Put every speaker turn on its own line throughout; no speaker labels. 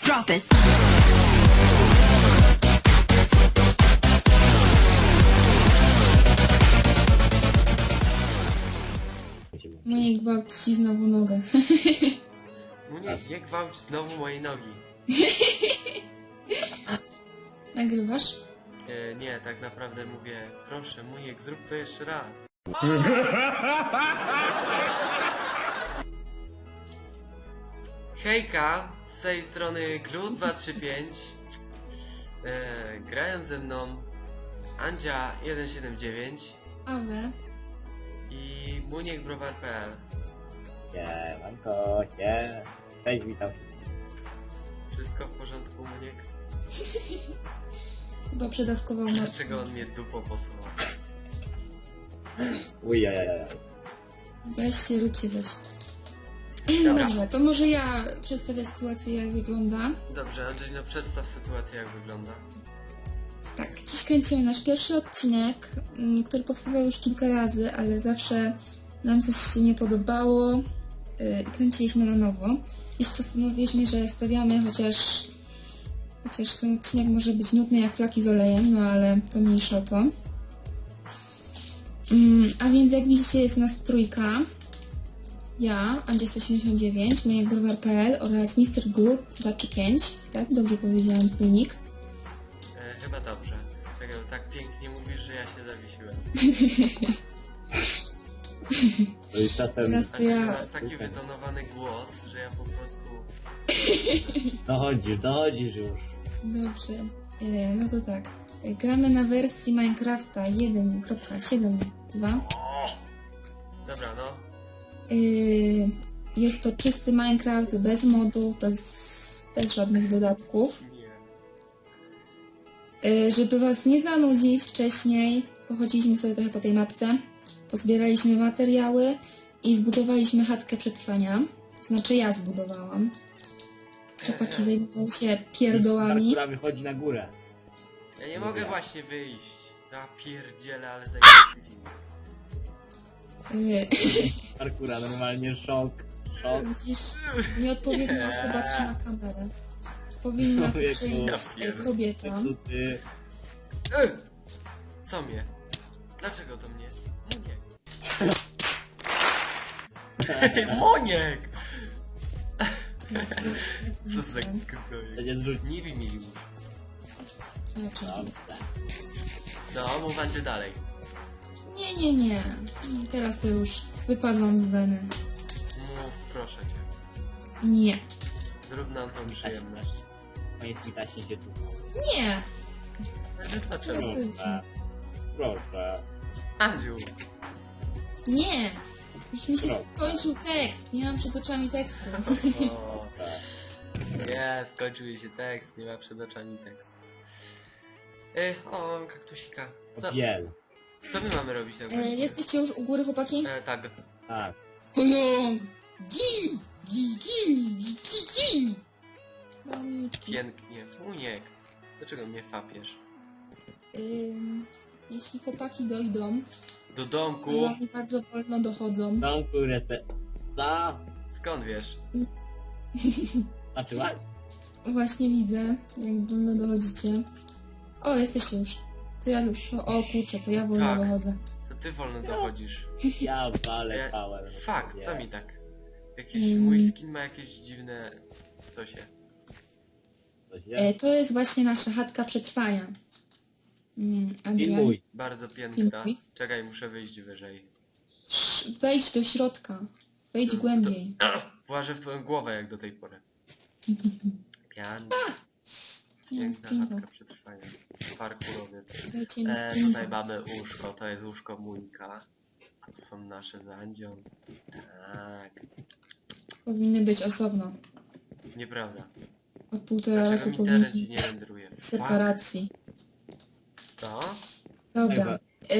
Drop it.
Moje gwałci znowu nogę.
Nie gwałć znowu mojej nogi.
Nagrywasz?
Nie, tak naprawdę mówię, proszę Muniek, zrób to jeszcze raz. Hejka, z tej strony Glu235. Grają ze mną Andzia179
Awe.
i MuniekBrowar.pl.
Siemanko, cześć, witam.
Wszystko w porządku, Muniek?
Chyba przedawkował Marcin.
Dlaczego on mnie dupą posuwał?
Ujajajaj.
Weźcie, róbcie coś.
Dobra.
Dobrze, to może ja przedstawię sytuację, jak wygląda.
Dobrze, Angelino, przedstaw sytuację, jak wygląda.
Tak, dziś kręcimy nasz pierwszy odcinek, który powstawał już kilka razy, ale zawsze nam coś się nie podobało i kręciliśmy na nowo. Dziś postanowiliśmy, że stawiamy, chociaż ten odcinek może być nudny jak flaki z olejem, no ale to mniejsza o to. A więc jak widzicie, jest nas trójka. Ja, Andzia179, MuniekBrowar.pl oraz Mr. Glue 235. Tak? Dobrze powiedziałam twój nick.
Chyba dobrze. Czekaj, bo tak pięknie mówisz, że ja się zawiesiłem.
To jest czasem...
Teraz to
Angelino,
ja...
masz taki wytonowany głos, że ja po prostu...
Dochodzisz już.
Dobrze, no to tak. Gramy na wersji Minecrafta 1.7.2.
Dobra, no.
Jest to czysty Minecraft, bez modów, bez żadnych dodatków.
Nie.
Żeby was nie zanudzić wcześniej, pochodziliśmy sobie trochę po tej mapce, pozbieraliśmy materiały i zbudowaliśmy chatkę przetrwania. To znaczy ja zbudowałam. Chłopaki zajmowały się pierdołami.
Która wychodzi na górę.
Ja nie mogę właśnie wyjść. Ja pierdzielę, ale zajebisty film.
Parkura, normalnie szok.
Widzisz, nieodpowiednia osoba trzyma kamerę. Powinna to
Człowieku.
przejąć
Ja
kobieta.
Ty.
Co mnie? Dlaczego to mnie? Muniek! Muniek! Co za gnoje.
Będzie zrzucić.
Nie wiem już.
Dobrze.
No, mów Andrzej dalej.
Nie. Teraz to już wypadłam z weny.
Mów, proszę cię.
Nie.
Zrób nam tą przyjemność.
Koniec mi taśnie się tu.
Nie!
Dlaczego?
Proszę.
Proszę.
Andziu!
Nie! Już mi się
Proszę.
skończył tekst. Nie mam przed oczami tekstu.
O, nie, skończył jej się tekst, nie ma przed oczami tekst. O, kaktusika.
Biel.
Co my mamy robić na górze?
Jesteście już u góry, chłopaki?
Tak.
Tak.
Pojong! Gim! Gim! Dominiczki.
Pięknie. Muniek. Dlaczego mnie fapiesz?
Jeśli chłopaki dojdą,
Do
a
domku?
oni bardzo wolno dochodzą.
Tą kurę te... Za...
Skąd wiesz?
Znaczy ładnie.
Właśnie widzę, jak wolno dochodzicie. O, jesteście już. O kurczę, to ja wolno
Tak.
dochodzę.
To ty wolno dochodzisz.
Ja walę
Ja-
pałem.
Fakt, co mi tak? Jakiś
Mm.
mój skin ma jakieś dziwne... Co się?
Coś jest?
To jest właśnie nasza chatka przetrwania. Adrian,
Filmuj.
Bardzo piękna.
Filmuj.
Czekaj, muszę wyjść wyżej.
wejdź do środka. Wejdź głębiej.
Włażę w twoją głowę jak do tej pory. Pian.
Nie mam
Piękna
sprinta.
chatka przetrwania. Parkurowiec.
Dajcie mi
Tutaj
sprinta.
mamy łóżko, to jest łóżko Muńka. A to są nasze z Andzią. Tak.
Powinny być osobno.
Nieprawda.
Od półtora
Dlaczego
roku
mi internet ci
powinniśmy
nie renderuje?
w separacji.
Co?
Dobra.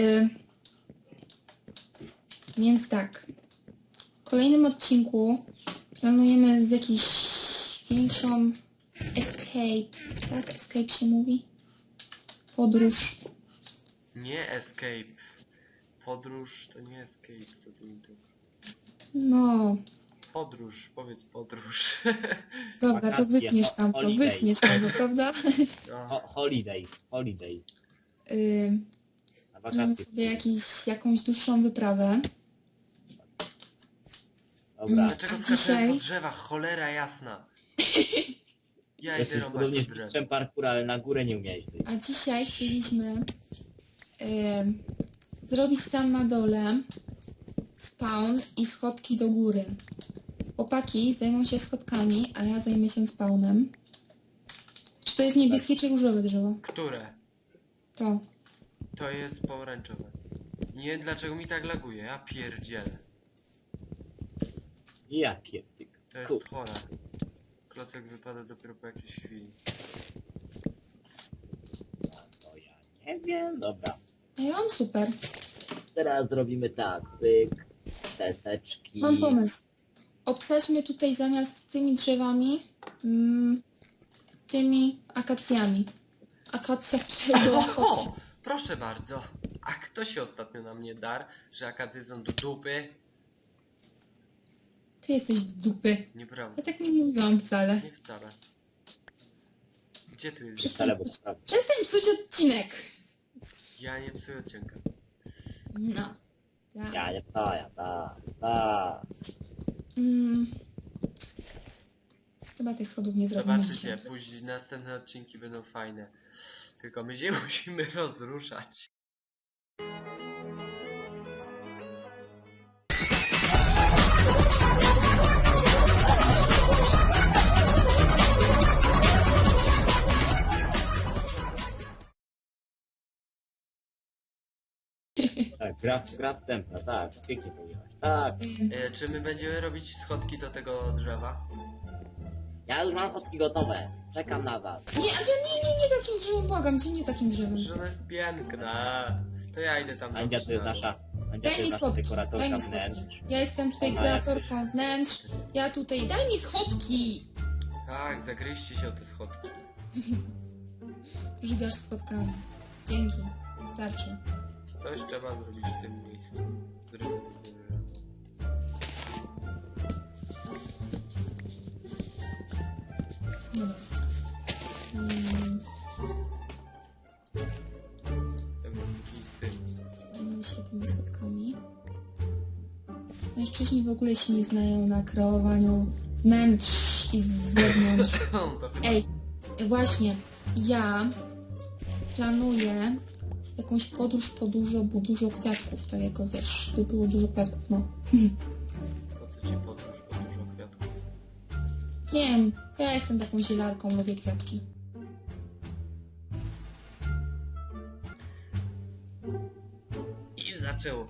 Więc tak. W kolejnym odcinku planujemy z jakiś większą escape. Tak? Escape się mówi? Podróż.
Nie escape. Podróż to nie escape, co ty mi tu...
No.
Podróż, powiedz podróż.
Dobra, to
Wakacje,
wytniesz tam to,
holiday.
wytniesz tam to, prawda?
No,
Holiday, holiday.
Zrobimy
Na wakacje.
sobie jakąś dłuższą wyprawę.
Dobra.
dlaczego
A
skaczemy
dzisiaj-
po drzewach? Cholera jasna. Ja idę
Jesteś
rąbać
podobnie
do
z
drzew.
mistrzem parkour, ale na górę nie umiałeś wyjść.
A dzisiaj chcieliśmy zrobić tam na dole spawn i schodki do góry. Chłopaki zajmą się schodkami, a ja zajmę się spawnem. Czy to jest niebieskie czy różowe drzewo?
Które?
To.
To jest pomarańczowe. Nie wiem dlaczego mi tak laguje, ja pierdzielę.
Ja pierdyk.
To jest chore. Klocek wypada dopiero po jakiejś chwili.
To ja nie wiem. Dobra.
A ja mam super.
Teraz zrobimy tak. Pyk. Teseczki.
Mam pomysł. Obsadźmy tutaj zamiast tymi drzewami tymi akacjami. Akacja pseudoakacja.
O, proszę bardzo. A kto się ostatnio na mnie darł, że akacje są do dupy?
Ty jesteś dupy.
Nieprawda.
Ja tak nie mówiłam wcale.
Nie wcale. Gdzie tu jest?
Wcale, bo sprawdzę.
Przestań psuć odcinek.
Ja nie psuję odcinka.
No. Tak.
Ja.
Chyba tych schodów nie zrobimy
Zobaczycie,
dzisiaj.
później następne odcinki będą fajne. Tylko my się musimy rozruszać.
Tak, gra wstępna, tak. Pięknie powiedziałaś. Tak.
Czy my będziemy robić schodki do tego drzewa?
Ja już mam fotki gotowe. Czekam na was.
Nie, nie takim drzewem, błagam cię, nie takim drzewem.
Że ona jest piękna. To ja idę tam
Andzia
robić
to jest
na dół.
nasza... Andzia to
Daj mi
jest nasza
schodki, daj
dekoratorka
mi
wnętrz.
schodki. Ja jestem tutaj
Ona
kreatorką wnętrz. Ja tutaj, daj mi schodki!
Tak, zagryźcie się o te schodki.
Żygasz schodkami. Dzięki. Starczy.
Coś trzeba zrobić w tym miejscu. Zrobię to drzewo.
Dobra.
Taki z tym.
Zajmę się tymi schodkami. Mężczyźni w ogóle się nie znają na kreowaniu wnętrz i z zewnątrz.
To chyba...
Ej, właśnie, ja planuję jakąś podróż po dużo kwiatków, tak jako wiesz, by było dużo kwiatków, no.
Po co ci podróż po dużo kwiatków?
Nie wiem, ja jestem taką zielarką, lubię kwiatki.
I zaczęło.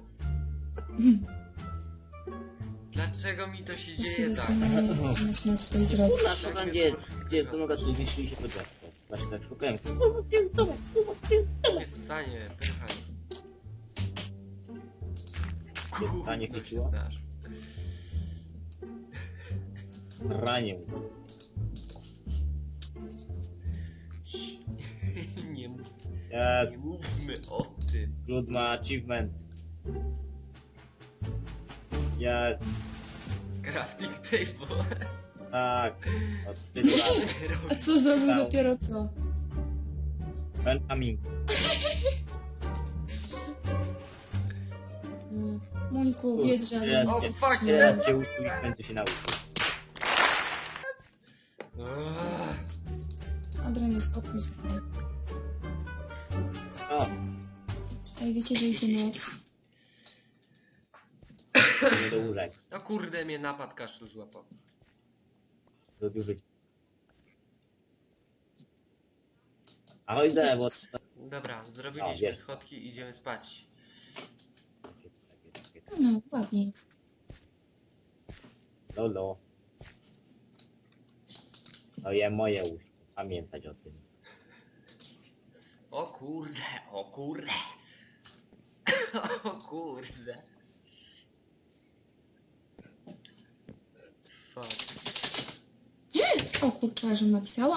Dlaczego mi to się
Ja się
dzieje tak?
zastanawiam, co można tutaj zrobić.
Kurwa, co tam gdzie to mogę tu zniszczyli się po drzewko. Właśnie tak szukałem. Kurwa, gdzie jest to? Kurwa, gdzie jest to?
Takie stanie, pyrchanie.
Stanie
Gówno się
chwyciło?
znasz.
Ranię.
Nie, mów-
Jest.
nie mówmy o tym.
Lud ma achievement. Jest.
Crafting table.
Tak. Od tylu lat.
A co zrobił dopiero co?
Benjamin.
Muńku, wiedz, że ja
O,
nie
fuck,
nie.
Teraz się uczył i będzie się nauczył.
Adrian jest oprócz mnie.
O,
Ej, wiecie, że idzie noc?
nie do łóżek.
O kurde, mnie napad kaszlu złapał.
Lubił być. Ahoj, bo...
Dobra, zrobiliśmy
jest.
schodki i idziemy spać.
No, ładnie jest.
Lolo. To je moje łóżko. Pamiętać o tym.
O kurde, o kurde. O kurde. Fuck.
O kurczę, że napisała.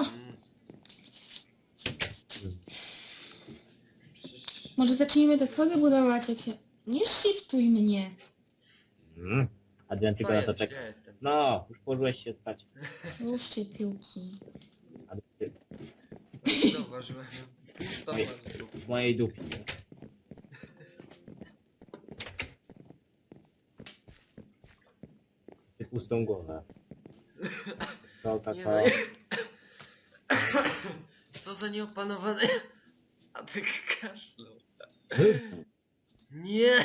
Przecież...
Może zacznijmy te schody budować, jak się... Nie shiftuj mnie.
Mm. Adrian,
Co
tylko na to
jest? Gdzie
czeka.
jestem?
No, już położyłeś się spać.
Ruszcie tyłki.
Adrian,
Zauważyłem. Zauważyłem.
w mojej dupie. Ty pustą głowę.
Nie
Coca-Cola.
no. Co za nieopanowany... A ty kaszlał. Nie!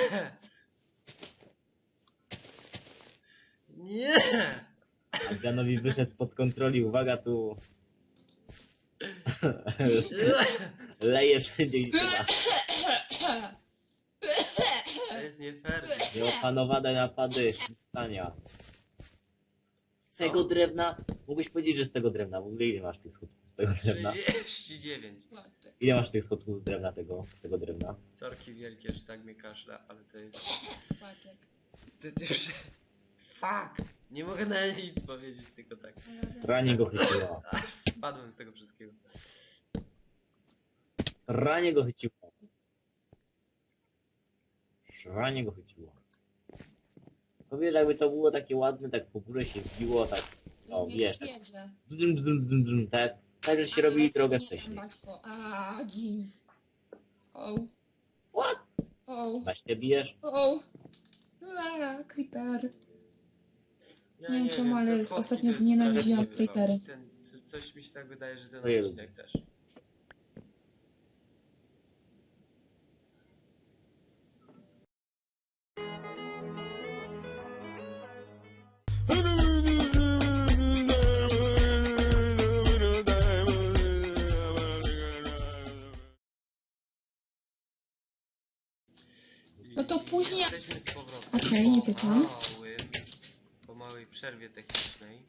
Nie!
Adrianowi wyszedł spod kontroli. Uwaga tu. Leje wszędzie i chyba.
To jest nie fair.
Nieopanowane napady stania. Z tego drewna? Mógłbyś powiedzieć, że z tego drewna. W ogóle ile masz tych schodów z tego drewna?
39.
Ile masz tych schodów z drewna tego drewna?
Sorki wielkie, że tak mnie kaszla, ale to jest...
Patrz.
Niestety już... Fuck! Nie mogę na nic powiedzieć, tylko tak.
Ranie go chyciło.
Aż spadłem z tego wszystkiego.
Ranie go chyciło. Ranie go chyciło. Powiedz, jakby to było takie ładne, tak po górze się wbiło, tak... O, wiesz, tak... Tak, tak, że się robili drogę wcześniej.
A, dzień. O.
What?
O.
Na się bijesz?
O. A, creeper.
Ja
Nie wiem czemu,
te
ale
schodki
ostatnio
to jest
znienawidziłam
strasznie
creepery.
Coś mi się tak wydaje, że ten
Ojej.
odcinek też.
No to później-
Jesteśmy z powrotem
Okej, nie pytam.
po małej przerwie technicznej.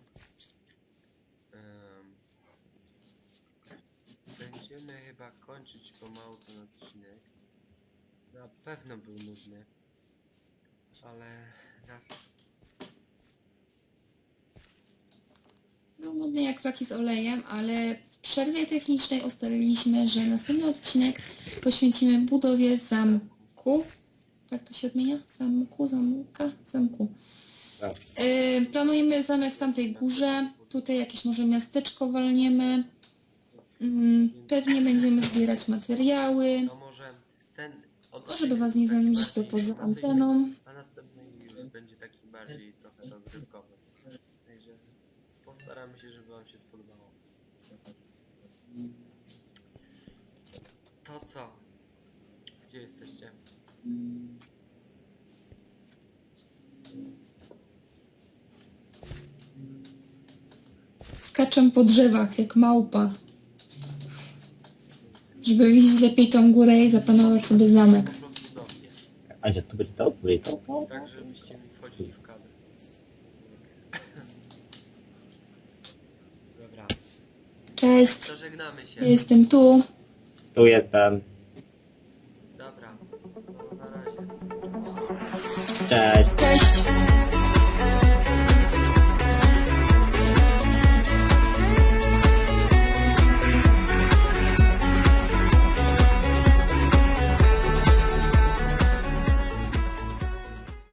Będziemy chyba kończyć pomału ten odcinek. Na pewno był nudny. Ale raz...
Był nudny jak flaki z olejem, ale w przerwie technicznej ustaliliśmy, że następny odcinek poświęcimy budowie zamku. Tak to się odmienia? Zamku.
Tak.
Planujemy zamek w tamtej górze. Tutaj jakieś może miasteczko walniemy. Pewnie będziemy zbierać materiały.
No może ten...
No, żeby was nie zanudzić, to poza anteną.
A następny już będzie taki bardziej trochę rozrywkowy. Także postaramy się, żeby wam się spodobało. To co? Gdzie jesteście?
Skaczę po drzewach jak małpa. Żeby widzieć lepiej tą górę i zaplanować sobie zamek.
Po prostu do mnie.
Andzia, tu będzie to? Tu będzie to?
Tak, żebyście mi wchodzili w kadr. Dobra,
Cześć,
to żegnamy się.
ja jestem tu.
Tu jestem.
Dobra, to na razie.
Cześć.
Cześć.